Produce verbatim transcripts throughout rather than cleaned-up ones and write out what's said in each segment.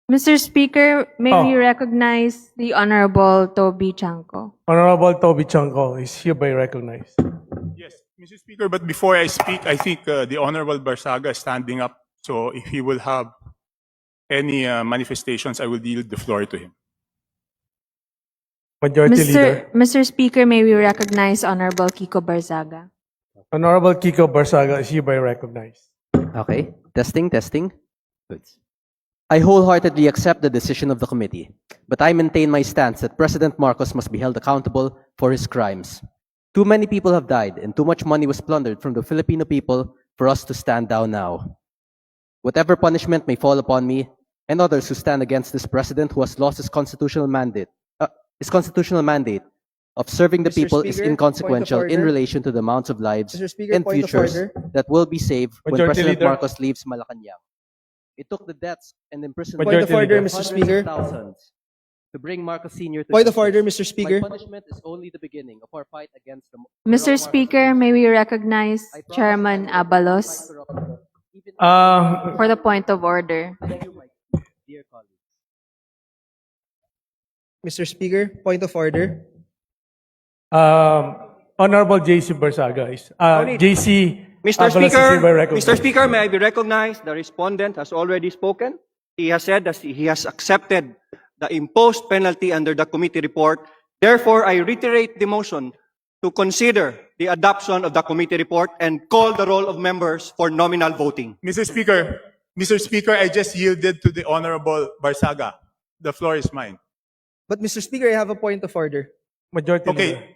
Mister Speaker, may Oh. we recognize the Honorable Toby Chanco? Honorable Toby Chanco is hereby recognized. Yes, Mister Speaker, but before I speak, I think uh, the Honorable Barsaga is standing up. So if he will have any uh, manifestations, I will yield the floor to him. Majority Leader. Mister Mister Speaker, may we recognize Honorable Kiko Barzaga? Honorable Kiko Barsaga is hereby recognized. Okay, testing, testing. Good. I wholeheartedly accept the decision of the committee, but I maintain my stance that President Marcos must be held accountable for his crimes. Too many people have died and too much money was plundered from the Filipino people for us to stand down now. Whatever punishment may fall upon me and others who stand against this president who has lost his constitutional mandate, uh, his constitutional mandate of serving the Mister people is Speaker, inconsequential point of in order. relation to the amounts of lives Mister Speaker, and point of futures order. that will be saved when Majority President Leader. Marcos leaves Malacanang. It took the deaths and imprisonment Point of Majority order, Leader. Mister hundreds of Speaker. thousands to bring Marcos Senior to Point of justice. order, Mister Speaker. My punishment is only the beginning of our fight against the Mister corrupt Speaker, Marcos may we recognize I promise Chairman I will fight Abalos corruption, even Uh, for the point of order? Thank you, my dear colleagues. Mister Speaker, point of order. um, Honorable J C Barsaga is uh, Only- J C Mister Abalos is Speaker, hereby recognized. Mister Speaker, may I be recognized? The respondent has already spoken. He has said that he has accepted the imposed penalty under the committee report. Therefore, I reiterate the motion to consider the adoption of the committee report and call the roll of members for nominal voting. Mister Speaker, Mister Speaker, I just yielded to the Honorable Barsaga. The floor is mine. But Mister Speaker, I have a point of order. Majority Leader. Okay.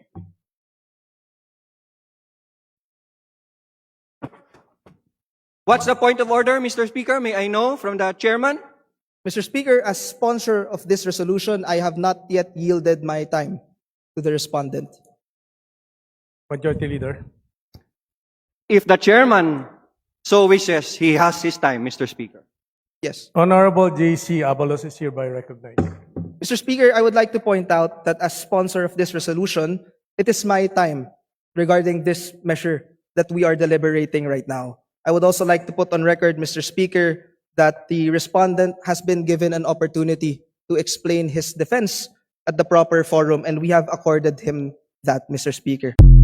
What's the point of order, Mister Speaker? May I know from the chairman? Mister Speaker, as sponsor of this resolution, I have not yet yielded my time to the respondent. Majority Leader. If the chairman so wishes, he has his time, Mister Speaker. Yes. Honorable J C Abalos is hereby recognized. Mister Speaker, I would like to point out that as sponsor of this resolution, it is my time regarding this measure that we are deliberating right now. I would also like to put on record, Mister Speaker, that the respondent has been given an opportunity to explain his defense at the proper forum, and we have accorded him that, Mister Speaker.